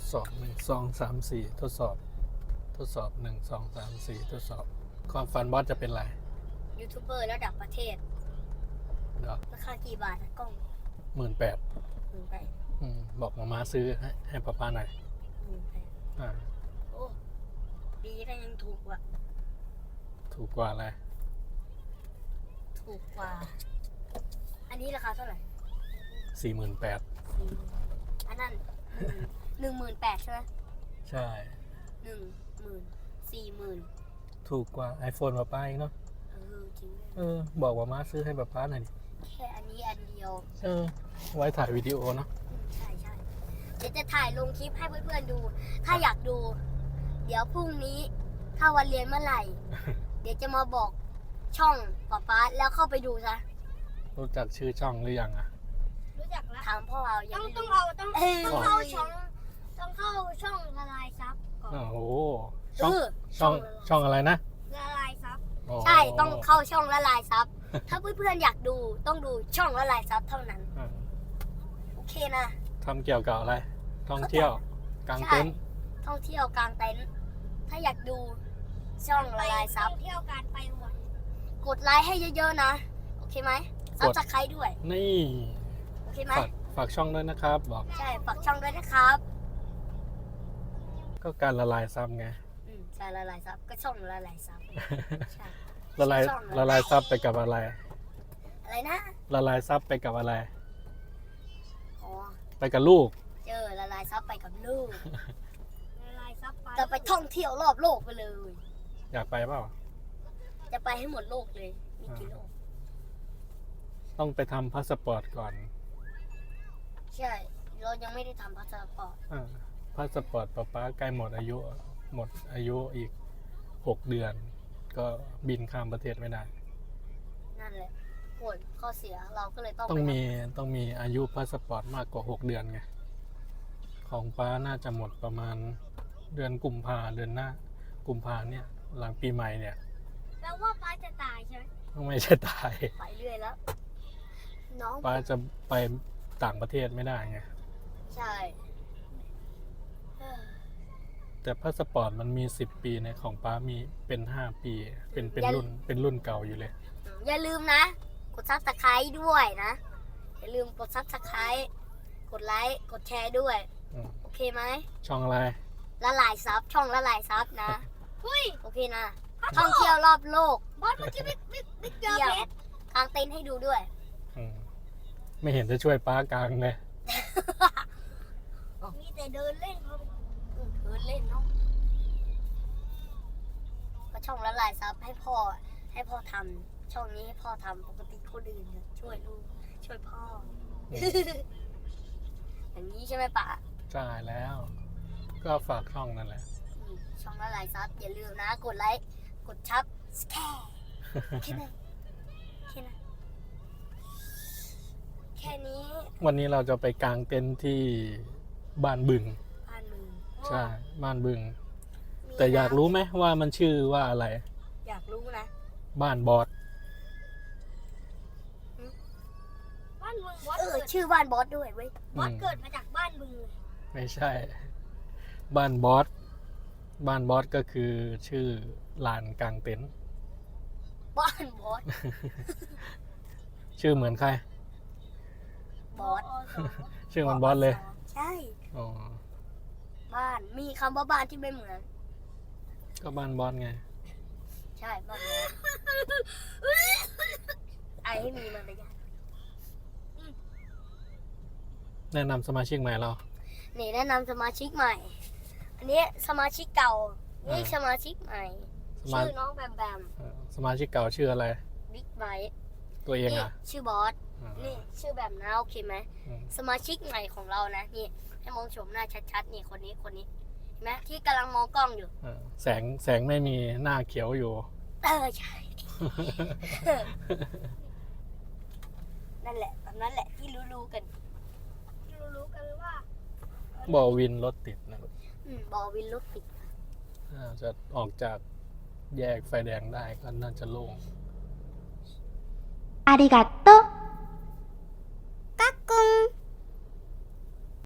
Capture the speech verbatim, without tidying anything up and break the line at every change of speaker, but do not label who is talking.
สอบหนึ่งสองสามสี่ทดสอบทดสอบหนึ่งสองสามสี่ทดสอบความฝันบอสจะเป็นไร
ยูทูบเบอร์ระดับประเทศ
เดี๋ยว
ราคากี่บาทอะกล้อง
หมื่นแปด
หมื่นแปด
บอกมามาซื้อให้ให้ป้าป้าหน่อย
หมื่นแปด
อ่า
โอ้ดีได้ยังถูกกว่า
ถูกกว่าอะไร
ถูกกว่าอันนี้ราคาเท่าไหร่
สี่หมื่นแปด
อันนั้นหนึ่งหมื่นแปดใช่ไหม
ใช่
หนึ่งหมื่นสี่หมื่น
ถูกกว่า iPhone ป้าป้าอีกเนาะ
เออจริง
เออบอกว่ามาซื้อให้ป้าป้าหน่อย
แค่อันนี้อันเดียว
เออไว้ถ่ายวิดีโอเนาะ
ใช่ใช่เดี๋ยวจะถ่ายลงคลิปให้เพื่อนๆดูถ้าอยากดูเดี๋ยวพรุ่งนี้ถ้าวันเรียนเมื่อไหร่ เดี๋ยวจะมาบอกช่องป้าป้าแล้วเข้าไปดูซะ
รู้จักชื่อช่องหรือยังอ่ะ
รู้จักแล้วถามพ่อเอาต้องต้องเอาต้องต้องเข้าช่องต้องเข้าช่องละลายซับก่อน
โอ้โหช่องช่องช่องอะไรนะ
ละลายซับใช่ต้องเข้าช่องละลายซับถ้าเพื่อนๆอยากดูต้องดูช่องละลายซับเท่านั้นโอเคนะ
ทำเกี่ยวกับอะไรท่องเที่ยวกางเต็นท์
ท่องเที่ยวกางเต็นท์ถ้าอยากดูช่องละลายซับท่องเที่ยวการไปวันกดไลค์ให้เยอะๆนะโอเคไหมซับสไครต์ด้วย
นี่
โอเคไหม
ฝากช่องด้วยนะครับบอก
ใช่ฝากช่องด้วยนะครับ
ก็การละลายซับไง
อืมใช่ละลายซับก็ช่องละลายซับใช่
ละลายละลายซับไปกับอะไร
อะไรนะ
ละลายซับไปกับอะไร
อ๋อ
ไปกับลูก
เจอละลายซับไปกับลูกละลายซับไปจะไปท่องเที่ยวรอบโลกไปเลย
อยากไปเปล่า
จะไปให้หมดโลกเลยมีกี่โลก
ต้องไปทำพาสปอร์ตก่อน
ใช่เรายังไม่ได้ทำพาสปอร์ต
อ่าพาสปอร์ตป๊าป๊าใกล้หมดอายุหมดอายุอีกหกเดือนก็บินข้ามประเทศไม่ได้
นั่นแหละผลข้อเสียเราก็เลยต้อง
ต้องมีต้องมีอายุพาสปอร์ตมากกว่าหกเดือนไงของป๊าน่าจะหมดประมาณเดือนกุมภาเดือนหน้ากุมภาเนี่ยหลังปีใหม่เนี่ย
แปลว่าป๊าจะตายใช่ไหม
ไม่ใช่ตาย
ไปเรื่อยแล้วน้อง
ป๊าจะไปต่างประเทศไม่ได้ไง
ใช่
แต่พาสปอร์ตมันมีสิบปีในของป๊ามีเป็นห้าปีเป็นเป็นรุ่นเป็นรุ่นเก่าอยู่เลย
อย่าลืมนะกดซับสไครต์ด้วยนะอย่าลืมกดซับสไครต์กดไลค์กดแชร์ด้วยโอเคไหม
ช่องอะไร
ละลายซับช่องละลายซับนะโอเคนะท่องเที่ยวรอบโลกบอสเมื่อกี้บิ๊กบิ๊กบิ๊กเจอเพชรกางเต็นท์ให้ดูด้วย
ไม่เห็นจะช่วยป้ากลางเลย
มีแต่เดินเล่นเขาเดินเล่นเนาะก็ช่องละลายซับให้พ่อให้พ่อทำช่องนี้ให้พ่อทำปกติคนอื่นช่วยลูกช่วยพ่ออย่างนี้ใช่ไหมป๋า
ใช่แล้วก็ฝากช่องนั่นแหละ
ช่องละลายซับอย่าลืมนะกดไลค์กดชับแค่แค่นั้นแค่นั้นแค่นี้
วันนี้เราจะไปกางเต็นท์ที่บ้านบึง
บ้านบึง
ใช่บ้านบึงแต่อยากรู้ไหมว่ามันชื่อว่าอะไร
อยากรู้นะ
บ้านบอส
บ้านบึงบอสเออชื่อบ้านบอสด้วยเว้ยบอสเกิดมาจากบ้านบึงเลย
ไม่ใช่บ้านบอสบ้านบอสก็คือชื่อลานกางเต็นท์
บ้านบอส
ชื่อเหมือนใคร
บอส
ชื่อมันบอสเลย
ใช่
อ๋อ
บ้านมีคำว่าบ้านที่ไม่เหมือน
ก็บ้านบอสไง
ใช่บ้านบอสไอให้มีมันไปยัง
แนะนำสมาชิกใหม่เรา
นี่แนะนำสมาชิกใหม่อันนี้สมาชิกเก่านี่สมาชิกใหม่ชื่อน้องแบมแบม
สมาชิกเก่าชื่ออะไร
บิ๊กไบท์
ตัวเองอ่ะ
ชื่อบอสนี่ชื่อแบบนะโอเคไหมสมาชิกใหม่ของเรานะนี่ให้มองชมหน้าชัดๆนี่คนนี้คนนี้เห็นไหมที่กำลังมองกล้องอยู่
แสงแสงไม่มีหน้าเขียวอยู่
เออใช่นั่นแหละแบบนั้นแหละที่รู้ๆกันที่รู้ๆกันว่า
บอวินรถติดนะ
บอวินรถติด
จะออกจากแยกไฟแดงได้ก็น่าจะโล่ง
ありがとう